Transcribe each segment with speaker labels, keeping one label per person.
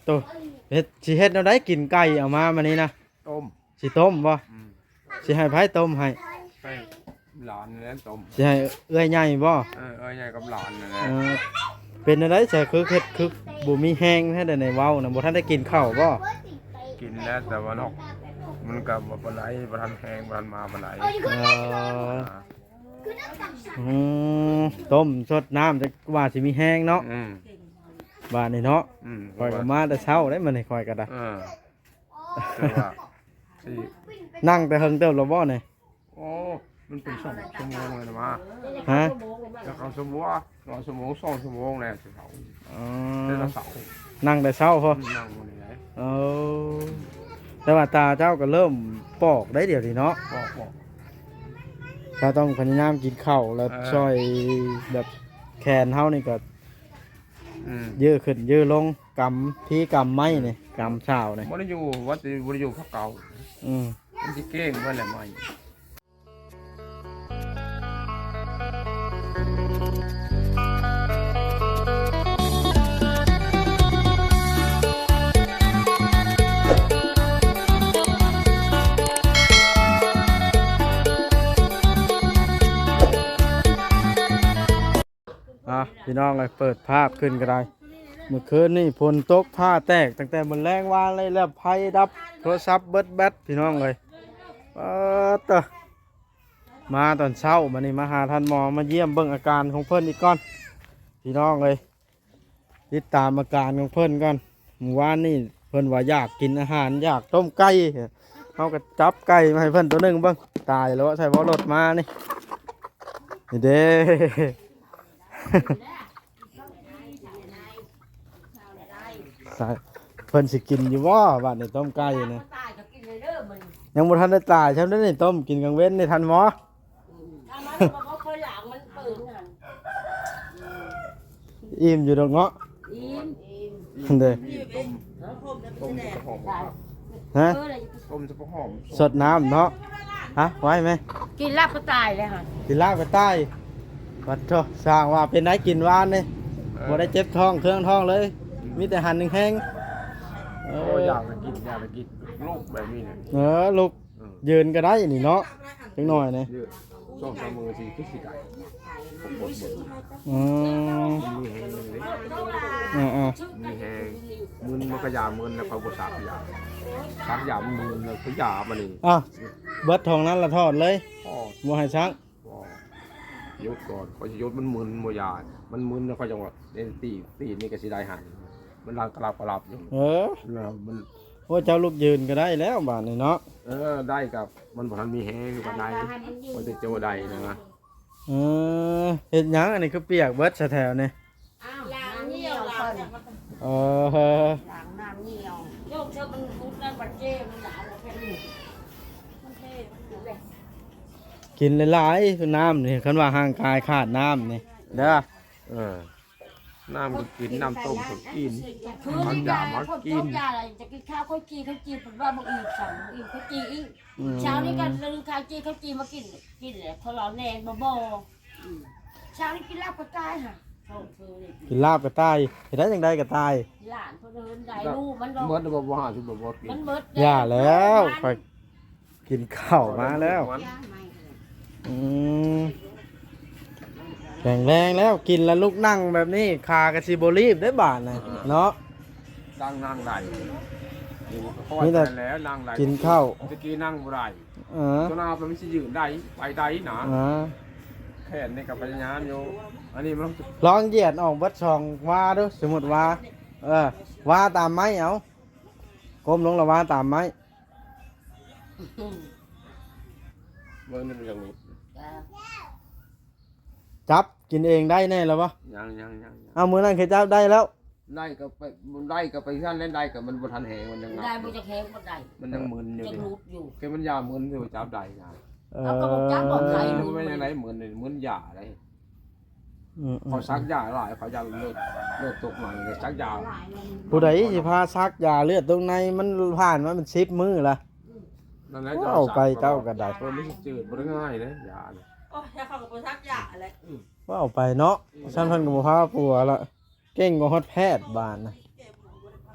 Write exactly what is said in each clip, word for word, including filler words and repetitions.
Speaker 1: ตัวเฮ็ดสิเฮ็ดแนวใดกินไก่เอามามื้อนี้นะ
Speaker 2: ต้ม
Speaker 1: สิต้มบ่
Speaker 2: อืม
Speaker 1: สิให้ไผต้มให้
Speaker 2: ให้หลานนั่นต้ม
Speaker 1: สิให้เอื้อยใหญ่บ่
Speaker 2: เออเอ้ยใหญ่กับหลานนั่นแหละ
Speaker 1: เออเป็นอะไรใช่คือเฮ็ดคือบ่มีแห้งให้ได้ในเว้านะบ่ทันได้กินข้าวบ่
Speaker 2: กินแล้วแต่ว่านอกมันก็บ่ปานใดบ่ทันแห้งบ่ทันมาปานใด
Speaker 1: เอออืมต้มสดน้ำจะว่าสิมีแห้งเนาะ
Speaker 2: อืม
Speaker 1: บ้านนี่เนาะ
Speaker 2: อืม
Speaker 1: ข่อยก็มาแต่เช้าได้มื้อนี้ข่อยก็ได้
Speaker 2: เออแต่ว่าสิ
Speaker 1: นั่งแต่เฮิงเติบแล้วบ่นี่
Speaker 2: โอ้มันเป็นสองชั่วโมงเลยนะมา
Speaker 1: ฮะ
Speaker 2: จะเข้าชั่วโมงรอชั่วโมงสองชั่วโมงแล้วสิเขา
Speaker 1: อ๋อ
Speaker 2: แต่ละเสา
Speaker 1: นั่งแต่เช้าพอ
Speaker 2: นั่งบ่ได้
Speaker 1: เอาแต่ว่าตาเจ้าก็เริ่มปอกได้เดี๋ยวนี้เนาะ
Speaker 2: บอกบอก
Speaker 1: ถ้าต้องพยายามกินข้าวแล้ว
Speaker 2: เออ
Speaker 1: ช่วยแบบแขนเฮานี่ก็
Speaker 2: อืม
Speaker 1: ยืดขึ้นยืดลงกำพี่กำไม้นี่กำเช้านี่
Speaker 2: บ่ได้อยู่วัดบ่ได้อยู่พักเก่า
Speaker 1: อืม
Speaker 2: มันสิเก้งเพิ่นแหละใหม่
Speaker 1: อ่ะพี่น้องเลยเปิดภาพขึ้นก็ได้เมื่อคืนนี่ฝนตกผ้าแตกตั้งแต่บนแรงวานเลยแล้วไฟดับโทรศัพท์เบิดแบตพี่น้องเลยเออเตอมาตอนเช้ามานี่มาหาท่านหมอมาเยี่ยมเบิ่งอาการของเพิ่นอีกก่อนพี่น้องเลยติดตามอาการของเพิ่นก่อนเมื่อวานนี่เพิ่นว่าอยากกินอาหารอยากต้มไก่เขาก็จับไก่มาให้เพิ่นตัวหนึ่งเบิ่งตายแล้วใส่บอรถมานี่นี่เด้ ใช่เพิ่นสิกินอยู่ว่าบ้านในต้มไก่นะยังบ่ทันได้ตายใช่ไหมนี่ต้มกินกลางเว้นในทันหมออิ่มอยู่ดอกเงาะเด้อ
Speaker 2: ต้มต้มจะหอม
Speaker 1: ฮะ
Speaker 2: ต้มจะหอม
Speaker 1: สดน้ำเนาะฮะไว้ไหม
Speaker 3: กินลาบก็ตายเลยค่ะ
Speaker 1: กินลาบไปใต้วัดโทสร้างว่าเป็นได้กินหวานนี่บ่ได้เจ็บท้องเครื่องท้องเลย มีแต่หันหนึ่งแห้งเอ
Speaker 2: โอ้
Speaker 1: อ
Speaker 2: อยากไปกินอยากไปกินลูกแบบนี้เนี่ย
Speaker 1: เออลูกยืนก็ได้นี่เนาะจังหน่อยนี่
Speaker 2: เยอะสองสามมือสี่ทุกสี่ไก่ผมหมดหมด
Speaker 1: อืม
Speaker 2: มีแห้งเลย
Speaker 1: อ่าอ่า
Speaker 2: มีแห้งมึนมันก็ยามึนแล้วเขาบดสาบยาสักยามันมึนแล้วเขายามันนี่
Speaker 1: อ่ะเบิดทองนั้นละทอดเลย
Speaker 2: พ่อ
Speaker 1: บ่ให้ช้าง
Speaker 2: พ่อยศก่อนพอจะยศมันมึนโมยามันมึนแล้วเขาจังหวะเล่นตีตีนี่ก็สีได้หันมันรังกระลับกระลับอยู่
Speaker 1: เออ
Speaker 2: แล้วมัน
Speaker 1: โอ้เจ้าลูกยืนก็ได้แล้วบาดนี้เนาะ
Speaker 2: เออได้กับมันบอกมันมีแห้งอยู่กับใดมันจะโจใดนะนะ
Speaker 1: เออเฮ็ดหยังอันนี้คือเปียกเบิดซะแถวนี่
Speaker 3: ล้างเหนียวล้าง
Speaker 1: เออ
Speaker 3: ล้างน้ำเหนียวโยกเธอมันพุดนั่นบัดเจ้มันหลานเราแค่นี้มันเท่มันเลย
Speaker 1: กินหลายๆคือน้ำนี่คันว่าห่างกายขาดน้ำนี่เด้อ
Speaker 2: เออน้ำก็กินน้ำต้มก็กิน
Speaker 3: คือ
Speaker 2: มัน
Speaker 3: นี่
Speaker 2: ยา
Speaker 3: นะ
Speaker 2: มา
Speaker 3: คน
Speaker 2: กิ
Speaker 3: ต้
Speaker 2: น
Speaker 3: มยาอะไรจะกินข้าวข้าวจีข้าวจีผมว่าบางอีกสั่งอีกข้าวจีอีกเช้านี้กันลืมข้าวจีข้าวจีมากินกินเลยเขาเราแนงบ่บ่เช้านี้กินลาบก็ตายค่ะโอ้เธอเลย
Speaker 1: กินลาบก็ตายเฮ็ดได้จังไดก็ตาย
Speaker 3: หลานเขาเดินได้ลูกมันก็
Speaker 2: เมื่อจะบอกว่าชุบบอกว่ากิน
Speaker 3: มันเบิด
Speaker 1: อย่าแล้วค่อยกินข้าวมาแล้ว อืมแข็งแรงแล้วกินแล้วลุกนั่งแบบนี้คากระชิโบรีบได้บาทนะเนาะ
Speaker 2: นั่งนั่งได้
Speaker 1: นี่แต่
Speaker 2: แล้วนั่งได้
Speaker 1: กินข้าว
Speaker 2: ตะกี้นั่งบ่ได้
Speaker 1: เออ
Speaker 2: ตัวนามันไม่ใช่ยืนได้ไปได้หนา
Speaker 1: อ่า
Speaker 2: แขนนี่กับพยายามอยู่อันนี้มันต้อง
Speaker 1: ลองเหยียดออกเบัดช่องว่าดูสมมติว่า เออว่าตามไม้เอาก้มลงและว่าตามไม้
Speaker 2: เมื่อนี่มันอย่างนี้
Speaker 1: จับกินเองได้แน่แล้วปะ
Speaker 2: ยังยังยังยัง
Speaker 1: เอามือนั่นเคยจับได้แล้ว
Speaker 2: ได้ก็ไปมันได้ก็ไปท่านเล่นได้กับมันบ่ทันแหงมันยัง
Speaker 3: ได้บุจะแข็งบ่ได้
Speaker 2: มันยังมึนอยู่
Speaker 3: จะ
Speaker 2: ดิ
Speaker 3: รูดอยู่
Speaker 2: แกมันยามึนอยู่จับได้ยา
Speaker 1: เอ
Speaker 3: เอากระบอกจับบอกใคร
Speaker 2: มันไม่ยังไงมึนเลยมึนยาอะไร
Speaker 1: อืม
Speaker 2: เขาซักยาหลายเขายาเลือดเลือดตกหน่อยเลยซักยา
Speaker 1: ผู้ใดสิพาซักยาเลือดตรงในมันผ่านมามันซิบมือละ
Speaker 2: นั่นแหละ
Speaker 1: เอาไปเจ้าก็ได้
Speaker 2: เพราะไม่ใช่จืดบ่ได้ง่ายนะยาเนี่ย
Speaker 4: โอ้ยเขากับคนทักยาอะไร
Speaker 1: ว่าเอาไปเนาะฉันเพันกับพาปัวละเก่งกว่าฮอดแพทย์บานนะ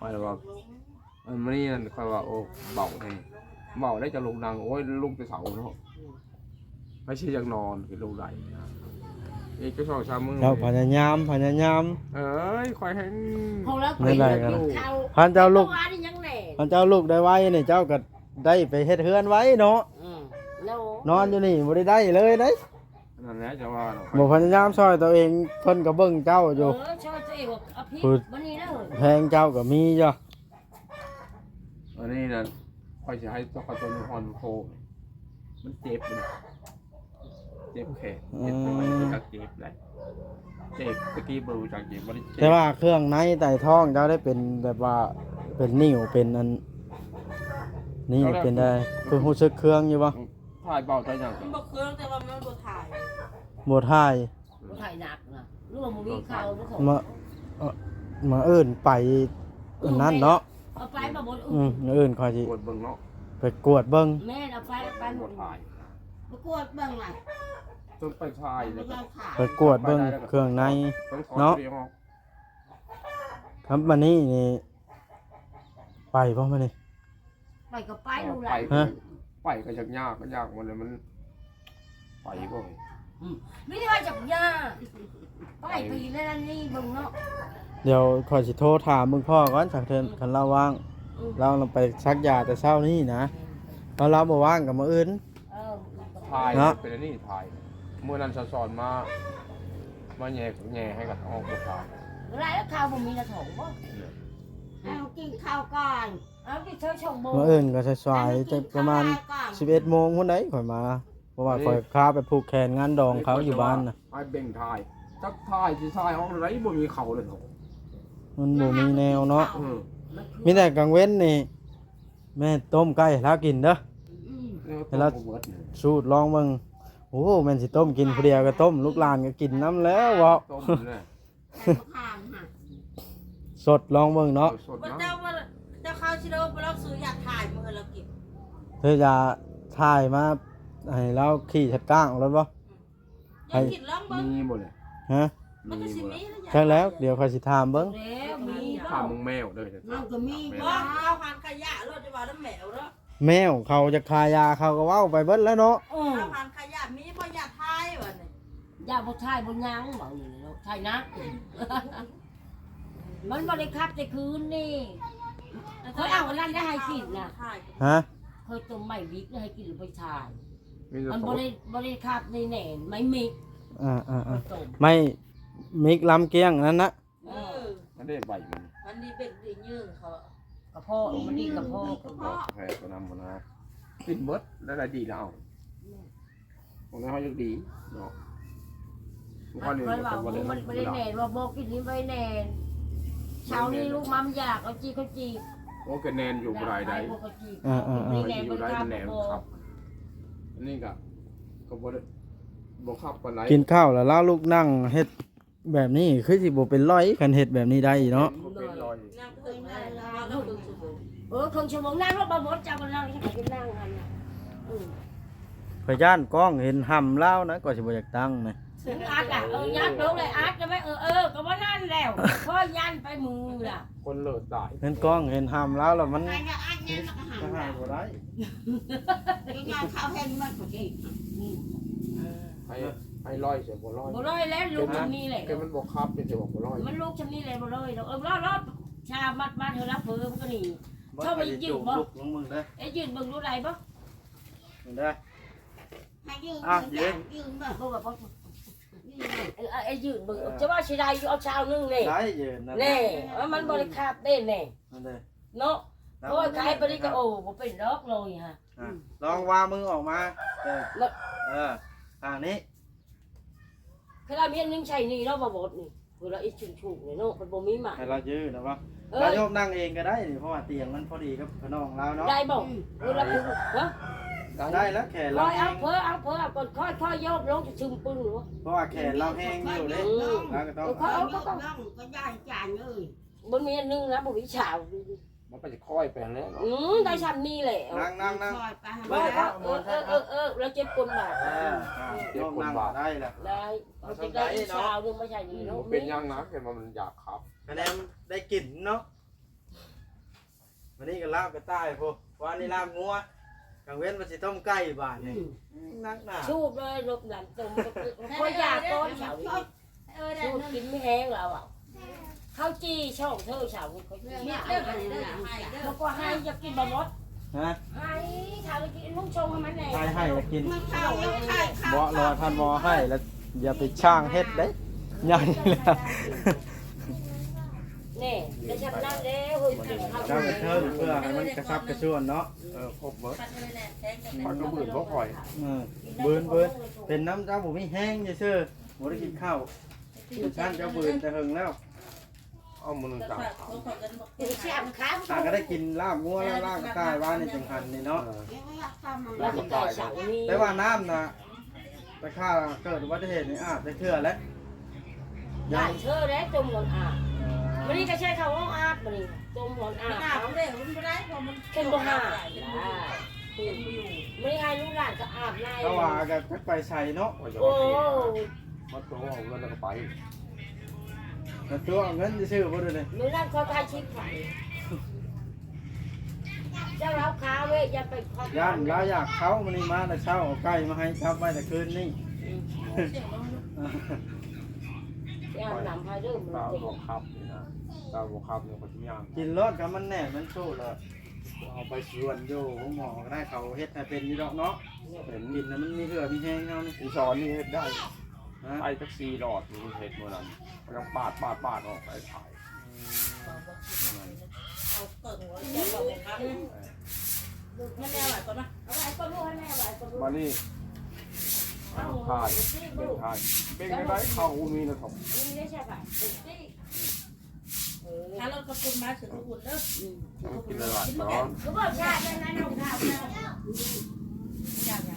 Speaker 2: อยว่าเออมันนี่นั่นคอยว่าโอ้เบาไงเบาได้จะลงดังโอ้ยลุกไปเสาเนาะไม่ใช่ยังนอนคือลงไหลอีกก็สองสามมือ
Speaker 1: เจ้าพยายามพยายาม
Speaker 2: เอ้ยคอยให้
Speaker 3: พอแล้ว
Speaker 1: ไม่ได้กัน
Speaker 3: ข้าว
Speaker 1: พันเจ้าลูก
Speaker 3: มื่อวานนี่ยังแหน่
Speaker 1: พันเจ้าลูกได้ไว้นี่เจ้าก็ได้ไปเฮ็ดเฮือนไว้เนาะ
Speaker 3: อืมแล้ว
Speaker 1: นอนอยู่นี่บ่ได้ได้เลยเด้
Speaker 2: นั่นแหละจะว่าเนาะ
Speaker 1: บ่พยายามซอยตัวเองเพิ่นก็เบิ่งเจ้าอยู่
Speaker 3: เออช่วยตัวเองว่าอภิ
Speaker 1: พูด
Speaker 3: วันนี้นะเหรอ
Speaker 1: แพงเจ้าก็มีอยู่
Speaker 2: อันนี้นั่นคอยจะให้ตัวกระตุ้นฮอนโคมันเจ็บมันเจ็บแขนเจ็บไปมันก็เจ็บเลยเจ็บตะกี้บรูจากเจ็บมันเจ็บ
Speaker 1: แต่ว่าเครื่องในไต่ท้องเจ้าได้เป็นแบบว่าเป็นนิ่วเป็นอันนี่เป็นได้คือรู้สึกเครื่องอยู่บ่
Speaker 2: ถ่ายเบาใจยัง
Speaker 4: มันบอกเครื่องแต่ว่ามันบ่ถ่าย
Speaker 1: บ่ทาย
Speaker 3: บ่ถ่ายหนักนะหรือว่ามึงมีข่าวหรือของ
Speaker 1: มาเอ่อมาเอิ้นไปอันนั้นเนาะ
Speaker 3: เอาไปมาบน
Speaker 1: อื
Speaker 3: อื่
Speaker 1: ม
Speaker 3: น
Speaker 1: เอิ้นค่อยสิ
Speaker 2: ปวดเบิ่งเนาะ
Speaker 1: ไปกวดเบิ่ง
Speaker 3: แม่เอาไปไปหม
Speaker 2: ปว
Speaker 3: ด
Speaker 2: ดถ่าย
Speaker 3: ประกวดเบ้างล่ะ
Speaker 2: ต้องไปถ่ายเลย
Speaker 3: เราขาย
Speaker 1: ไปกวดเบิ่งเครื่องใน
Speaker 2: ต้องถอด
Speaker 1: เนาะ
Speaker 2: เสียงออก
Speaker 1: ครับมานี่นี่ไปบ่มานี่
Speaker 3: ไปก็ไปดู
Speaker 2: ไป
Speaker 3: ละ
Speaker 1: ฮะ
Speaker 2: ไปก็ยากยากก็ยากมันเลยมันไปบ่อย
Speaker 3: ไม่ได้ว่าจับยาไปปีนั่นนี่เบิ่งเนาะ
Speaker 1: เดี๋ยวค่อยสิโทรถามมึงพ่อก่อนสักเทื่อคันเราว่าง
Speaker 3: อืม
Speaker 1: เราลงไปซักยาแต่เช้านี้นะตอนเราบ่ว่างก็มื้ออื่น
Speaker 3: เออ
Speaker 2: ถ่าย
Speaker 1: เนาะ
Speaker 2: เป็นอันนี้ถ่ายเมื่อนั้นสอนมามาแย่แย่ให้กับออกกดถ่าย
Speaker 3: ไรแล้วข้าวบ่มีกระถงบ่เอากินข้าวก่อนเอากินเช้าชงโม
Speaker 1: มื้ออื่นก็สายๆจะประมาณสิบเอ็ดโมงพุ่นได้ข่อยมา เพราะว่าข่อยค้าไปผูกแขนงานดองเขาอยู่บ้านน่ะ
Speaker 2: ไอ้เบ่งถ่ายจักถ่ายสิถ่ายออกไรบ่มีเขาเลยเนาะ
Speaker 1: มันบ่มีแนวเนาะ
Speaker 2: เออ
Speaker 1: มีแต่กลางเว้นนี่แม่ต้มไก่ให้เรากินเด้อ
Speaker 2: แล้วต้องบ่เบิดเนี่ย
Speaker 1: สูตรลองเบิ่งโอ้แม่นสิต้มกินผู้เดียวก็ต้มลูกหลานก็กินน้ำแล้วบ่
Speaker 2: ต้มเนี่ย
Speaker 1: สดลองเบิ่งเนาะ
Speaker 2: สด
Speaker 4: มัน
Speaker 2: นะ
Speaker 4: เจ้าว่าเจ้าข้าวชิโร่ไปลอกซื้ออยากถ่ายมือเราเก็บ
Speaker 1: เธอจะถ่ายมาให้เราขี่ชัดก้างเอารถบ่
Speaker 4: อยากกินล่องเบิ้ง
Speaker 2: มีบ่เลย
Speaker 1: ฮะ
Speaker 4: มันก็
Speaker 2: มี
Speaker 4: สิ
Speaker 2: บ่
Speaker 4: มี
Speaker 2: เลย
Speaker 4: แล้ว
Speaker 1: ใช่แล้วเดี๋ยวค่อยสิถามเบิ่ง
Speaker 3: แล้วมี
Speaker 2: ข้ามึงแมวเด้อ
Speaker 3: มันก็มี
Speaker 4: ว่าเอาหันขยะรถจะว่าน้ำแมวแล้ว
Speaker 1: แมวเขาจะคายาเขาก็เว้าไปเบิดแล้วเนาะ
Speaker 3: อือ
Speaker 4: เอาหันขยะมีบ่อยากถ่ายวะเนี่ย
Speaker 3: อย่าบ่ทายบ่ยังบ่นี่เนาะทายนะมันบ่ได้คับแต่คืนนี่ เขาเอาอันนั้นได้ให้กินน่ะ
Speaker 4: ถ่าย
Speaker 1: ฮะ
Speaker 3: เคยต้มไม่วิกให้กินไปทาย
Speaker 2: มีแต่
Speaker 3: มัน
Speaker 2: ส
Speaker 3: บ่
Speaker 2: ด
Speaker 3: ได้บ่ได้คับในแหน่ไม่มิก
Speaker 1: อ่าอ่า
Speaker 3: เค
Speaker 1: อ่าย
Speaker 3: ต้ม
Speaker 1: ไม่มิกลำเกียงนั่นนะ
Speaker 4: เออ
Speaker 2: มันได้ใบมัน
Speaker 4: มันดีเป็นดียืงเขา
Speaker 3: กระเพาะมันดีกระเพาะ
Speaker 2: ก็บอกแพ้ก็นำมานะกินเบิดแล้วได้ดีแล้วผมว่าเขายังดีเนาะมันก็เลย
Speaker 3: มันว่า
Speaker 2: บ่
Speaker 3: มันบ่ได้แหน่ว่าบ่กินนี่บ่ได้แหน่เช้านี้ลูกมัมอยากเอาจีเขาจี
Speaker 2: โอ้ก็แนนอยู่บ่ได้ได้
Speaker 3: บ่เขาจี
Speaker 1: อ่าอ่า
Speaker 2: ไป
Speaker 1: อ่า
Speaker 3: แหน่
Speaker 2: อยู่
Speaker 3: บ่
Speaker 2: ได้
Speaker 3: ได้
Speaker 2: มันแหนม
Speaker 3: บ่
Speaker 2: ครับอันนี้ก็ก็บ่ได้บ่ขับปานไหน
Speaker 1: กินข้าวแล้วล่าลูกนั่งเฮ็ดแบบนี้คือสิบ่เป็นร้อยคันเฮ็ดแบบนี้ได้เนาะ
Speaker 2: บ่เป็นรอย
Speaker 4: นั่งเพิ่งได้แล้วก็ดูสุด
Speaker 3: เออครึ่งชั่วโมงนั่งแล้วบ่หมดจะบ่นั่งให้กินนั่งกันน่ะอือ
Speaker 1: พยานกล้องเห็นห่ำแล้วนะก็สิบ่อยากตั้งนะ
Speaker 3: ถึงอาร์ตอ่ะเออยัดลงเลยอาร์ตจะไม่เออเออก็ว่านั่นแล้วพอยันไปมือล่ะ
Speaker 2: คนเลิศตาย
Speaker 1: เห็นกล้องเห็นห่ำแล้วแล้วมัน
Speaker 3: ไอ้เนี่ยอาร์ตเนี่ยมันก็หัน
Speaker 1: ก็
Speaker 3: แล้
Speaker 1: ให้บ่ได้
Speaker 3: วงานเขาเห็นมันก็ดี
Speaker 2: ให้ให้ร้อยเสียบ่ร้อย
Speaker 3: บ่ร้อยแล้วลูกชำนี้แหละ
Speaker 2: แกมันบ่ขับเป็นสิบ่บ่ร้อย
Speaker 3: มันลูกชำนี้เลยบ่ร้อยเออรอดรอดชามัดมัดเธอรับเพิ่มก็นี่ ชอบไปยืมบ่
Speaker 1: ลูกลงมึงเด้อ
Speaker 3: ไอ้ยืนเบิ่งรู้ไรบ่
Speaker 1: มึงเด้อ
Speaker 3: ให้ยืน
Speaker 1: อ่ะยืน
Speaker 3: ยืนบ่บ่บ่เออไอ้ยืนเบิ่งจะว่าสิได้อยู่เอาชาวนึงนี่
Speaker 1: ได้ยืนนั่น
Speaker 3: แน่ว่ามันบ่ได้คาบเต้นแน่
Speaker 1: นั่นเด้อ
Speaker 3: เนาะโอ้ยขายไปนี่ก็โอ้บ่เป็นดอกเลยฮะ
Speaker 1: อ่ะลองวางมือออกมาเออ
Speaker 3: แล้ว
Speaker 1: เออทางนี้
Speaker 3: คือเรามีอันนึงใช่นี่เนาะบ่บดนี่คือเราอีชุนๆนี่เนาะมันบ่มีหมา
Speaker 1: ให้เรายืนนะวะ
Speaker 3: เอ
Speaker 1: เรา
Speaker 3: อ
Speaker 1: โยมนั่งเองก็ได้นี่เพราะว่าเตียงมันพอดีกับขนองเราเนาะ
Speaker 3: ได้บ่คือเราคือฮะ
Speaker 1: ได้แล้วแขน
Speaker 3: ล
Speaker 1: เรา
Speaker 3: อย
Speaker 1: แห้
Speaker 3: เอา
Speaker 1: ง
Speaker 3: เพ้อเอาเพ้อเอาก่อนค่อยค่อยโยกลงจะซึมปึ้งหรือวะ
Speaker 1: เพราะว่าแขนเราแห้งอยู่เด้เราก็ต้อง
Speaker 3: เขาเอาก็ต้อง
Speaker 5: ก็ได้จานเลย
Speaker 3: บ่มีอันนึงนะบ่มีฉาว
Speaker 2: มันก็จะค่อยไปแล้วเนาะ
Speaker 3: อืมได้ชั้นนี้แหละ
Speaker 1: นั่งนั่งนั่ง
Speaker 5: ซอยไปให้
Speaker 3: บ่ครับเออเออเออเออเราเจ็บกลบาด
Speaker 1: เออโยมนั่งได้แล้ว
Speaker 3: ได้เอาจะได้อีกฉาวนึงไม่ใช่นี่เนาะ
Speaker 2: เป็นยังนะแกมันอยากขับ
Speaker 1: คะแนนได้กลิ่นเนาะวันนี้ก็ลาบกระต่ายพวกวันนี้ลาบงัวกลางเว้นมันสิต้มไก่บาทนี่นักหนา
Speaker 3: ชูบเลยลบหลังตรงก็อยากก้อนเฉาอีก
Speaker 4: เออได้
Speaker 3: ชูบ
Speaker 4: นั่น
Speaker 3: กินไม่แห้งแล้วอ่ะข้าวจีช่องเธอเฉาเขาจี
Speaker 4: มี
Speaker 3: ให้
Speaker 4: เด้อกันเด้อให้เด้อ
Speaker 3: แล้วก็ให้จะกินบะมด
Speaker 1: ฮะ
Speaker 3: ให้ทานกินลูกชงให้มันแน่
Speaker 1: ให้ให้จะกิน
Speaker 4: มันข้าวมันไข่ข้าว
Speaker 1: เบาะรอท่านหมอให้แล้วอย่าไปช่างเฮ็ดเด้ใหญ่เลย
Speaker 3: นี่ได้ชำนาญแล้วเฮ้ยกินข้าว
Speaker 1: เจ้าไปเทิงเพื่อให้มันกระชับกระชวนเนาะ
Speaker 2: เออครบเบิด
Speaker 4: ปัดเลยแหละแทงกัน
Speaker 2: คอยก็บื่นก็คอย
Speaker 1: เออเบินเบินเป็นน้ำเจ้าผมไม่แห้งซื่อๆบ่ได้กินข้าวท่านเจ้าเบินแต่หึงแล้ว
Speaker 2: เอามือ
Speaker 4: แต่
Speaker 2: จับ
Speaker 4: ฝากเขาขอกันบอก
Speaker 3: เดี๋ยวแช่มค้าง
Speaker 1: ตาก็ได้กินลาบงัวแล้วลาบกระต่ายว่านี่จังหันนี่เนาะ
Speaker 3: แล้วก็ได้เฉานี่
Speaker 1: แต่ว่าน้ำนะแต่ข้าเกิดอุบัติเหตุนี่อาบได้เทื่อแล้ว
Speaker 3: ได้เชื่อแล้วจมหมดอ่ะวันนี้ก็ใช้คำว่าอาบวันนี้จมหมดอ่ะ
Speaker 4: หน้าผมเลยมันไม่ได้เพราะมัน
Speaker 3: เข้มบ่ห่า
Speaker 4: เป็นอยู่
Speaker 3: ไม่ให้ลูกหลานก็อาบใน
Speaker 1: ก็ว่ากันจักไปใส่เนาะ
Speaker 2: ว่าจะ
Speaker 3: โอ้
Speaker 2: มาตัวเอาเงินแล้วก็ไป
Speaker 1: แต่ตัวเอาเงินซื้อบ่ได้เลย
Speaker 3: ไม่นั่นเขาทายชิปไข่เจ้าเราค้าเว้ยอย่าไปครอบ
Speaker 1: ย่านเราอยากเข้ามันนี่มาแต่เช้าเอาไก่มาให้ครับไว้แต่คืนนี่
Speaker 3: ย่านนำให้เริ่ม
Speaker 2: ตา
Speaker 3: มัน
Speaker 2: บวกครับนี่นะตาบวกครับเนี่ยคนที่ย่าง
Speaker 1: กินรสกับมันแน่มันสู้เลยเอาไปสวนอยู่ของหมอก็ได้เขาเฮ็ดให้เป็นอยู่ดอกเนาะเป็นกินแล้วมันมีเหือมีแห้งเฮานี่
Speaker 2: อีสอนนี่เฮ็ดได้
Speaker 1: ฮะ
Speaker 2: ไปแท็กซี่หลอดมันเฮ็ดเมื่อนั้นมันยังปาดปาดปาดออกไปขาย
Speaker 4: เอาเกิดหัวเจ็บบอกครับไม่แน่หวานก่อนนะ
Speaker 3: เอาไว้ก็รู้ให้แม่ไว้ก็รู้
Speaker 2: มานี่ขายเป็นขายเป็นไม่ได้เข้ามีนะครับ
Speaker 3: นี่ไม่ใช่ป่ะเป็นที่เออ
Speaker 4: ถ้าเรากระปุกมาถึงอุ่นเด้อ
Speaker 2: ต้องกินหลายๆตอน
Speaker 3: ก็บอกชาตินั้นน้องข้าว
Speaker 4: อย่างอย่าง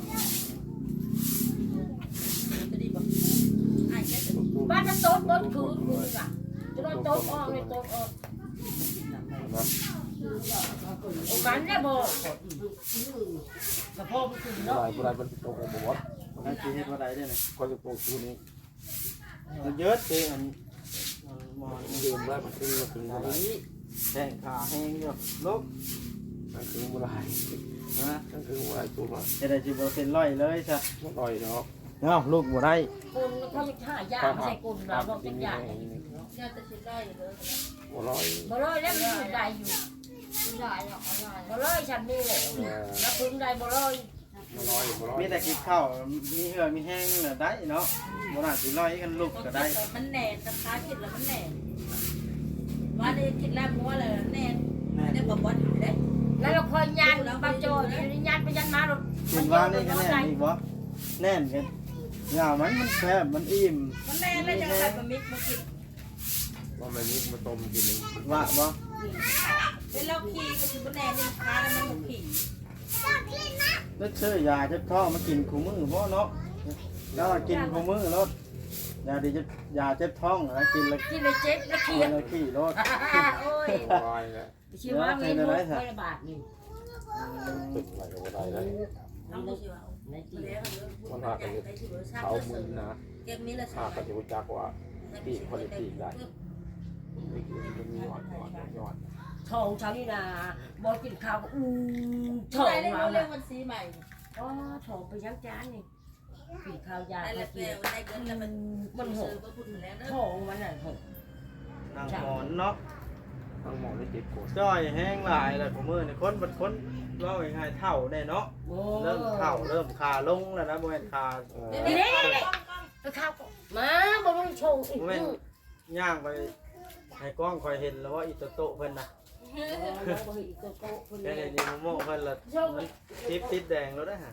Speaker 4: จะดีบอกไอ้แค่จะ
Speaker 3: บ้านจะโต๊ะโต๊ะคืนคืนอ่ะจะโดนโต๊ะออกเลยโต๊ะออกโอ้กันได้บ่กระเพาะมันขึ้น
Speaker 2: ผู้
Speaker 3: เนาะ
Speaker 2: ใดผู้ใดเป็นตัวของบวช
Speaker 1: นั่นสิเฮ็ดว่าได้เด้อนี่
Speaker 2: ก็จะปลูกตัวนี้
Speaker 1: มันเยอะเด้อันหมอน
Speaker 2: ดื่มได้มันคือมันคืออะไร
Speaker 1: แข้งขาแห้งอยู่ลุก
Speaker 2: มันคืออะไร
Speaker 1: นะ
Speaker 2: มันคืออะไรตัวมัน
Speaker 1: เฮ็ดได้สิบ่เป็นร้อยเลยซะ
Speaker 2: อร่อยเนาะ
Speaker 1: เนาะลูกบ่ได้
Speaker 3: คนเขาจะหายาใส่กุนเราบอกเป็นยา
Speaker 4: เนี่ยจะชิมได้เลย
Speaker 2: อร่อย
Speaker 3: บ่เลยแล้วมันอยู่ได้อยู่
Speaker 4: ได้หรอกได้
Speaker 3: บ่เลยฉันนี่แหละแล้วพึ่งได้บ่เลย
Speaker 2: อร่อยอร่อย
Speaker 1: มีแต่กินข้าวมีเหือมีแห้งน่ะได้เนาะบ่น่าสิร้อยกันลูกก็ได้
Speaker 4: มันแน่นนะคะกินแล้วมันแน่นว่าได้กินแล้วมัวเลยแน่นได้บอกว่าได้
Speaker 3: แล้วเราคอยยันบางโจนี่ยันไปยันมาหรอก
Speaker 1: กินว่านี่ก็แน่นอีกบ่แน่นกันยาวมันมันแซ่บมันอิ่ม
Speaker 4: มันแน่นเลยจังใส่บะมิกมากิน
Speaker 2: ว่ามันนี้มาต้มกินนึง
Speaker 1: ว่าบ่
Speaker 4: เป็นเราขี่ก็คือมันแน่นเลยค้าแล้วมันขี่
Speaker 1: แล้วซื้อยาเจ็บท้องมากินคู่มื้อบ่เนาะแล้วกินคู่มื้อรถยาดีจะยาเจ็บท้องแล้วกินแล้ว
Speaker 3: กินเลยเจ็บแล้ว
Speaker 1: กิ
Speaker 3: เคีย
Speaker 1: นแล้วขี้รถ
Speaker 3: โอ้ย
Speaker 2: อร่อยเลย
Speaker 3: ชื่อว่ามีมุกไม่บาทนี่
Speaker 2: ตึกอะไรก็ได้เลย
Speaker 4: ทำดูสิว่า
Speaker 3: ใน
Speaker 4: มัน
Speaker 3: ที่
Speaker 4: เลี้ยงมันหากันเขา
Speaker 2: เขามือนะ
Speaker 4: เก็บมีละ
Speaker 2: ข้าก็จะรู้จักว่าปีกคนละปีกได้นี่คือมันมีหวานหวานยอด
Speaker 3: ทองเช้านี่นะบอกกินข้าวอืมท
Speaker 4: ท
Speaker 3: อ
Speaker 4: อง ง
Speaker 3: มา
Speaker 4: เราเรียกวันสีใหม่
Speaker 3: อ๋อทองไปยังจานนี่กินข้าวยา
Speaker 4: ได้
Speaker 3: ไป
Speaker 4: แล้ว
Speaker 3: กิน
Speaker 4: ได้เงินแล้วมันมันหกก็พูดถึงแล้วเน
Speaker 3: ท
Speaker 4: อะ
Speaker 3: องมันน่ะหก
Speaker 1: นางหมอนเนาะ
Speaker 2: ทั้งหมดได้เจ็ดคน
Speaker 1: จ้อยแห้งหลายแล้วคู่มื้อนี่คนบัดคนเว้าง่ายๆเฒ่าแน่เนาะ
Speaker 3: โอ้
Speaker 1: เริ่มเฒ่าเริ่มคาลงแล้วนะบ่แม่นคา
Speaker 3: นี่นี่นี่ไปข้าวมาบอกต้องโชว์อีก
Speaker 1: บ่แม่นย่างไปให้กล้องคอยเห็นแล้วว่าอีโตโตเพิ่นน่ะ
Speaker 3: อีกโต๊ะโต๊ะคน
Speaker 1: แค่
Speaker 3: นี้
Speaker 1: นี้โมโม่เพิ่นละมันติดติดแดงแล้วได้ฮะ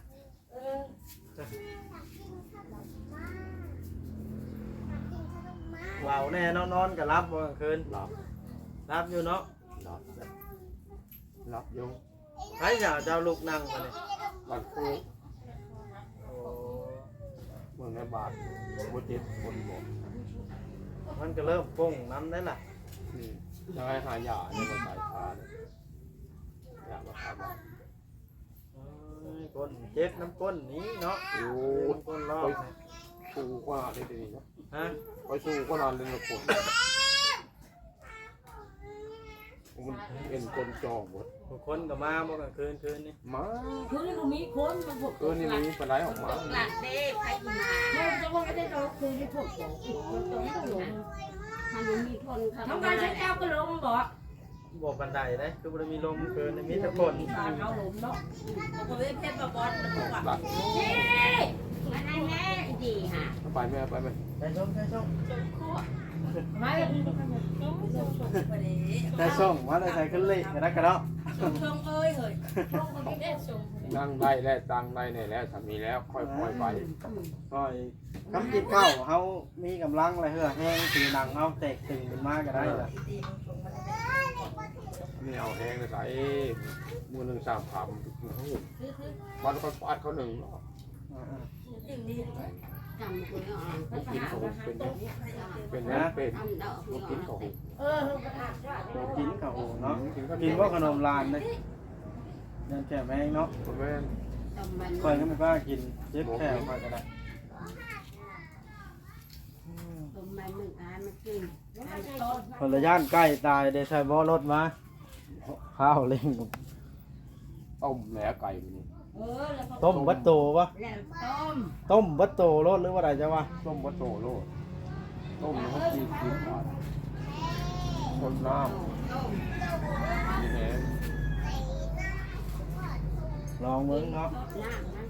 Speaker 1: เว้าแน่นอนนอนก็รับบ่กลางคืน
Speaker 2: หลับ
Speaker 1: รับอยู่เนาะ
Speaker 2: หลับหลับอยู่
Speaker 1: ไผจะเจ้าลูกนั่งมานี่
Speaker 2: หลับคู่
Speaker 1: โอ้
Speaker 2: เมืองในบาทบนเจ็ดคนบอก
Speaker 1: มันก็เริ่มป้งน้ำได้ล่ะ
Speaker 2: นี่จะให้หายาเนี่ยมาสายพานยามาทำ
Speaker 1: เอ้ยก้นเจ็บน้ำก้นนี้เนาะ
Speaker 2: โอ้
Speaker 1: น้ำก้นรอบ
Speaker 2: สู้กว่าได้ดีนะ
Speaker 1: ฮะ
Speaker 2: ไปสู้ก็นานเลยนะคนมันเป็นคนจองหมด
Speaker 1: บางคนก็มาบ่กลางคืนคืนนี่
Speaker 2: มา
Speaker 3: คือนี่ก็มีคนมันพวก
Speaker 2: เออนี่มีปลาไหลออกมา
Speaker 4: หลักเด็กใครมา
Speaker 3: แม่จะว่าไม่ได้เราคือที่พวกของคนตรงนี้หลง
Speaker 4: ถ้ามันมีคนเขา
Speaker 3: ทำการใช้แก้วก็ลงบ่
Speaker 1: บ่ปานใดเด้คือบ่ได้มีลมคืนนี่มีแต่ฝน
Speaker 3: ตาเขาหลงเนาะ
Speaker 4: เขาไม่เพชรมาบอลมันบอกว่า
Speaker 2: หลัก
Speaker 3: นี่มาแน่แน่ดีฮะ
Speaker 2: ไปไหมไปไหม
Speaker 1: ไปชมไปชม
Speaker 3: ไม่
Speaker 4: ไปเลย
Speaker 1: แต่ส่งว่าได้ใส่ขึ้นเลยกระดักกระเดาะ
Speaker 4: ชงชงเอ้ยเฮ้ย
Speaker 2: นั่งได้แล้วตังได้เนี่ยแล้วสามีแล้วค่อยปล่อยไป
Speaker 1: ก็คำกินข้าวเฮามีกำลังอะไรเฮือแห้งสีหนังเฮาแตกตึงขึ้นมาก็ได้ล่ะ
Speaker 2: นี่เอาแห้งเลยใส่มือหนึ่งสามคำปัดเขาปัดเขาหนึ่ง
Speaker 1: อ่า
Speaker 3: จำคนอ่อน
Speaker 2: ลูกกินเขาเป็นเป็นนั่นเป็นลูกกินเขา
Speaker 3: เออประธานว่า
Speaker 1: ๆตัวกินข้าวโหเนาะ
Speaker 2: กินก็
Speaker 1: กินว่าขนมลานเลยยันแก่แมงเนาะ
Speaker 2: คุณแม่
Speaker 3: จำมัน
Speaker 1: คอยก็ไม่กล้ากินเจ็บแค่คอยก็ได้
Speaker 3: จำมันหนึ่งอันมันกินอันต้น
Speaker 1: คนละย่านใกล้ตายได้ใช้บ่อรถมาข้าวเล่ง
Speaker 2: ต้มแหนไก่นี่
Speaker 3: เออแล้วก็
Speaker 1: ต้มบัตโตปะ
Speaker 3: แล้วต้ม
Speaker 1: ต้มบัตโตรถหรือว่าอะไรจะวะ
Speaker 2: ต้มวัตโตโลดต้มแล้วกินกินก่อนคนน้
Speaker 3: ต้ม
Speaker 2: ำนี่แหง
Speaker 1: ลองเมืองเนาะ
Speaker 3: น้ำนั่น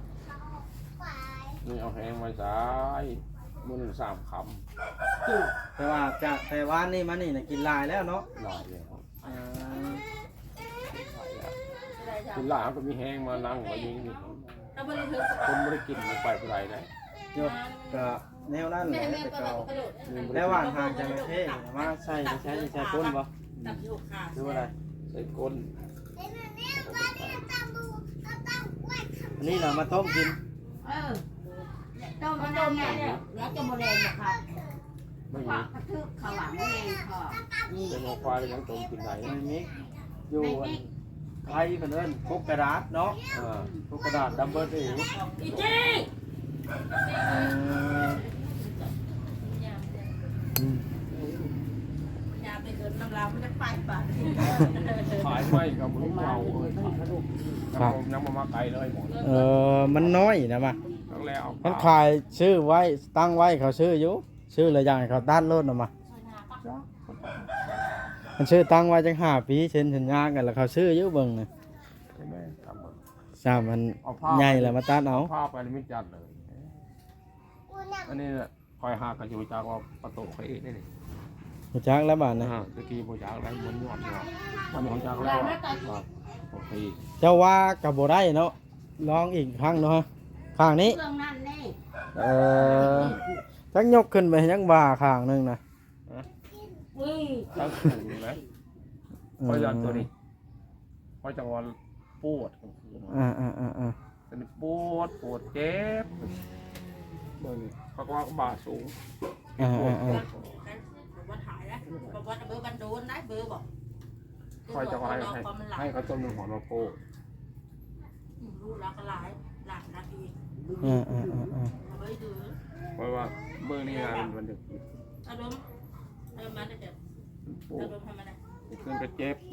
Speaker 2: นี่เอาแห้งไว้ใส่มือหนึ่งสามค
Speaker 1: แต่ว่าจะแต่ว่านี่มันนี่นะกินหลายแล้วเนาะ
Speaker 2: ำหลายแล้ว
Speaker 1: อ่า
Speaker 2: กินหลายก็มีแห้งมานั่งมายิงนี่
Speaker 4: ถ้าไม่ได้ถือ
Speaker 2: คนไม่ได้กินมันไปเท่าไรนะ
Speaker 1: โยกก็แนวนั้นแห
Speaker 4: แม่
Speaker 1: ละ
Speaker 4: แม่
Speaker 1: แต่
Speaker 4: ก็
Speaker 1: เก่า
Speaker 4: กระโดด
Speaker 1: แล้วว่านทางจะไม่เท่มาใช่ใช้ใช้ก้นปะ
Speaker 4: ตับอยู่ขา
Speaker 1: หรือว่าอะไร
Speaker 2: ใส่ก้น
Speaker 1: อันนี้เรามาต้มกิน
Speaker 3: เออต้มมันต้มแม่เนี่ยแล้วจะโมเลนนะคะ
Speaker 2: ไม่
Speaker 3: ขวา
Speaker 2: มี
Speaker 3: กระทึกขวาโมเลนค่ะ
Speaker 2: เป็นหัวควายยังต้มกินไหน
Speaker 1: ไม่มีอยู่ไทยเป็นเอิ้นพกกระดาษเนาะ
Speaker 2: อ่า
Speaker 1: พกกระดาษดับเบิลเอง
Speaker 3: อีจี
Speaker 4: ยาไปเกินน้ำลายมันจะไปป่ะ
Speaker 2: ขายไม่กับมือเมาเลยยังมามาไกลเลยหมด
Speaker 1: เออมันน้อยนะมา
Speaker 2: ทั้งแล้ว
Speaker 1: มันขายชื่อไว้ตั้งไว้เขาชื่ออยู่ชื่ออะไรอย่างเขาด้านรถออกมามันชื่อตั้งไว้จังห้าปีเช่นสัญญากันแล้วเขาชื่ออยู่เบิ่งนะ
Speaker 2: ใช่ไหมทำมา
Speaker 1: สามมันใหญ่แล้วมาตัดเอา
Speaker 2: ภาพไปไม่จัดเลยอันนี้คอยหากันอยู่จากว่าประตูเขาเองนี่นี่
Speaker 1: หูจักแล้วบาดนะ
Speaker 2: ตะกี้โบจากแล้วมันหยอดหยอดมันของจากแล้วโอเค
Speaker 1: เจ้าว่ากับโบได้เนาะลองอีกครั้งเนาะข้างนี้
Speaker 3: เครื่องนั่นนี่
Speaker 1: เออจักยกขึ้นไปยังบ่าข้างหนึงนะ
Speaker 3: อุ้ย
Speaker 2: ตั้งถูกนะคอยยันตัวนี้คอยจังหวะปวด
Speaker 1: อ่าอ่าอ่าอ่า
Speaker 2: เป็นปวดปวดเจ็บเบิ่งเขาก็ว่าบาดสูง
Speaker 1: อ่าอ่าอ่า
Speaker 4: ว่าถ่ายนะบอกว่าเบอร์บันโดนนะเบอร์บอก
Speaker 2: คอยจังหวะให้ให้เขาต้มหนึ่งหัวมาโป้
Speaker 4: รู้รักหลายหลักนาที
Speaker 1: อ่าอ่าอ่าอ่า
Speaker 4: เอาไว้ดู
Speaker 2: เพราะว่าเบื้องนี้นะมันจะ
Speaker 4: อารมณ์เออมาเดี๋ยว
Speaker 2: ปว
Speaker 4: อา
Speaker 2: ด
Speaker 4: รมณ์ทำอะไร
Speaker 2: เครื่องกระเจ็บ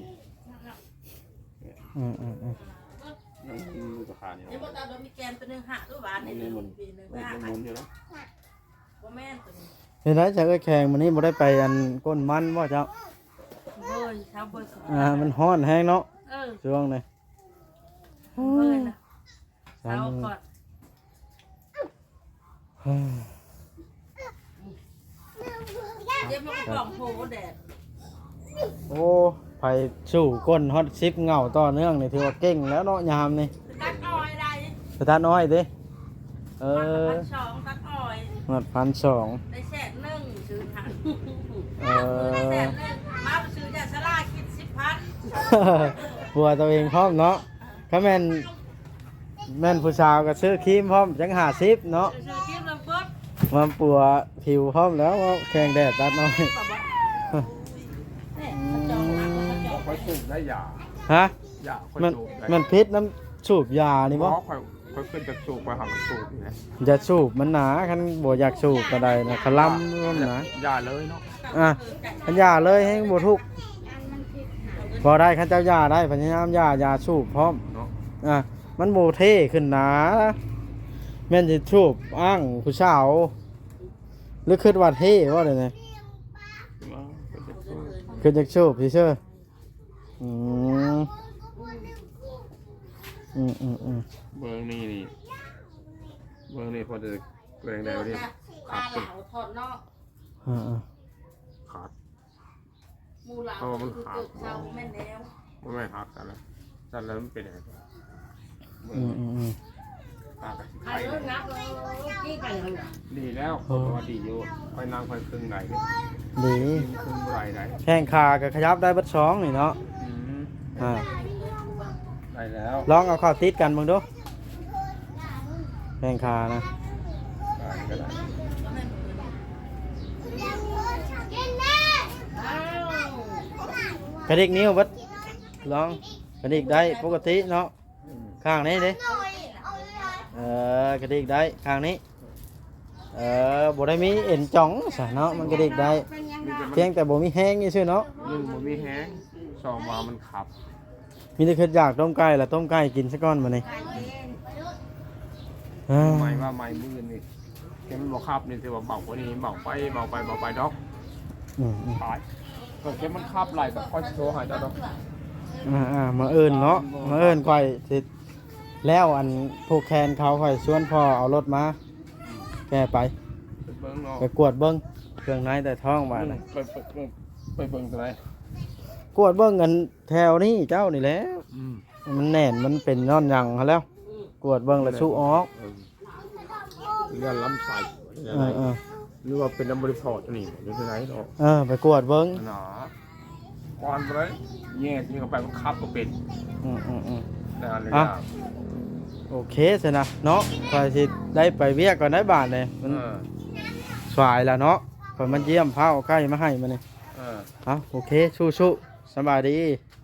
Speaker 1: อืมอืมอืม
Speaker 2: ยังมือกับขาเนี่ย
Speaker 4: เดี๋ยวบอกตาโดนมีแกนตัวนึงหักหรือหวานในหนึ่งปีหนึ่ง
Speaker 2: มัน
Speaker 4: หัก
Speaker 2: หมุนอยู่แล้ว
Speaker 4: ว่าแม่ตัวนี้
Speaker 1: เห็นไหมจากไอ้แข่งมันนี้บ่ได้ไปอันก้นมันว่าเจ้า
Speaker 4: เบอร์เช้าเบอร์สอง
Speaker 1: อ่ามันฮ้อนแห้งเนาะ
Speaker 4: เออ
Speaker 1: ช่วงนี้
Speaker 4: เบอร์นะเช้าก่อน เดี๋ยวมันก็กล่องโผล่แดด
Speaker 1: โอ้ไปสู่ก้นฮอตซิปเงาต่อเนื่องนี่ถือว่าเก่งแล้วเนาะยามนี่
Speaker 4: ตัดอ้อยได้
Speaker 1: ไปทานน้อยดิเออ
Speaker 4: ตัดสองตัดอ้อย
Speaker 1: หมดพันสอง
Speaker 4: ได้แสนหนึ่งซื้อทัน
Speaker 1: เอ
Speaker 4: ได้แส
Speaker 1: อน
Speaker 4: หนึ่งมาไปซื้อยาสลาคิดสิบพัน
Speaker 1: ปัวตัวเองพร้อมเนาะถ้าแม่นแม่นผู้สาวก็ซื้อครีมพร้อมจังหาซิปเนาะ
Speaker 4: ซื้อคิดลำปุ๊บ
Speaker 1: มาปัวผิวพร้อมแล้วว่าแข่งแดดตัดน้อย
Speaker 4: เนี่ยเขาจองนะเขาจอง
Speaker 2: ค่อยสูบได้ยา
Speaker 1: ฮะ
Speaker 2: ยาค่อย
Speaker 1: มัน
Speaker 2: สูบได้
Speaker 1: มันพิษน้ำสูบยานี่
Speaker 2: เพ
Speaker 1: บ่
Speaker 2: ราะค่อยค่อยขึ้นจากสูบไปหาสูบอยู่นะ
Speaker 1: อย่าสูบมันหนาคันบ่อยากสูบก็ได้นะขลำมันหนา
Speaker 2: ยาเลยเนาะ
Speaker 1: อ่ะคันยาเลยให้บ่ทุกข์
Speaker 3: อันมันผิด
Speaker 1: พอได้ข้าเจ้ายาได้พยายามยายาสูบพร้อม
Speaker 2: เนาะ
Speaker 1: อ่ะมันโมเท่ขึ้นนะแม่นสิสูบอ้างผู้สาวหรือคิดว่าเท่ว่าเลยเนี่ย
Speaker 2: ว่าเป็นเด็กสู้
Speaker 1: คือจะสูบพี่เชื่ออืมอืมอืมอืม
Speaker 2: เบอร์นี่นี่เบอร์นี่พอจะแรงได้ดิ
Speaker 4: ปลาเหลาทอดนอก
Speaker 1: อ่าอ่า
Speaker 2: ขาด
Speaker 4: หมูเหลาคือเกิดเช้าแม่นแล้ว
Speaker 2: มันไม่หักกันแล้วจันแล้วมันเป็นยังไงเบอ
Speaker 1: อืม
Speaker 2: ร์
Speaker 1: อืมอืม
Speaker 2: ปากกับ
Speaker 3: ใคร
Speaker 2: ไข่
Speaker 3: เลิกนับเลยกี้กันเลย
Speaker 2: ดีแล้วคนว่าดีอยู่คอยนั่งคอยครึ่งไหนดิ
Speaker 1: ดี
Speaker 2: ครึ่งไรไหน
Speaker 1: แข้งขากับขยับได้เบัดสองนี่เนาะ
Speaker 2: อืม
Speaker 1: อ่า
Speaker 2: ได้แล้ว
Speaker 1: ลองเอาเข้าติดกันมึงดูแข้งขานะ
Speaker 2: ได้ก็ได้
Speaker 1: กระดิกนิ้วเบัดลองกระดิกได้ปกติเนาะ
Speaker 2: อืม
Speaker 1: ข้างนี้ดิเออกระดิกได้ข้างนี้เออบ่ได้มีเอ็นจ่องซะเนาะมันกระดิกได้
Speaker 2: มีแต่มัน
Speaker 1: เพียงแต่บ่มีแห้งนี่ซื่อเนาะ
Speaker 2: หนึ่งมันมีแห้งสองมามันขับ
Speaker 1: มีแต่คิดอยากต้มไก่ละต้มไก่กินซะก่อนมื้อนี้เอ้ย
Speaker 2: ไม่ว่าไม่มือนี่แค่มันบอกขับนี่ถือว่าเบากว่านี้เบาไปเบาไปเบาไปดอก
Speaker 1: อืมอืม
Speaker 2: ตายก็แค่มันขับไหลกับค่อยโทรหาเจ้าดอก
Speaker 1: อ่าอ่ามาเอิ้นเนาะมาเอิ้นค่อยสิแล้วอันผูกแขนเขาค่อยชวนพ่อเอารถมาแกไป
Speaker 2: ไปเบิ้งเนาะ
Speaker 1: ไปกวดเบิ่งเครื่องในแต่ท้องบาดน่ะ
Speaker 2: ไปไปไปไปเบิ้งตัวไหน
Speaker 1: กวดเบิ่งกันแถวนี้เจ้านี่แหละ
Speaker 2: อืม
Speaker 1: มันแน่นมันเป็นนอนหยังหั้นแล้ว กวดเบิ่งแล้วสู้ออก
Speaker 2: เออเรื่องล้ำใส่
Speaker 1: เออเออ
Speaker 2: หรือว่าเป็นน้ำบริพอร์ตนี่หรือที่ไหนเนาะ
Speaker 1: เออไปกวดเบิ่ง
Speaker 2: หนาก่อนไปเลยแย่ที่เข้าไปมันขับก็เป็น
Speaker 1: อืมอืมอืม
Speaker 2: นานเลย
Speaker 1: อ่ะ
Speaker 2: นะ
Speaker 1: โอเคสินะเนาะคอยสิได้ไปเวียกก่อนได้บาทเลยมัน
Speaker 2: เออ
Speaker 1: สายแล้วเนาะคอยมันเยี่ยมพาเอาใกล้มาให้มาเนี่ย
Speaker 2: เออ
Speaker 1: เอาโอเคสู้ๆสบายดี
Speaker 2: เ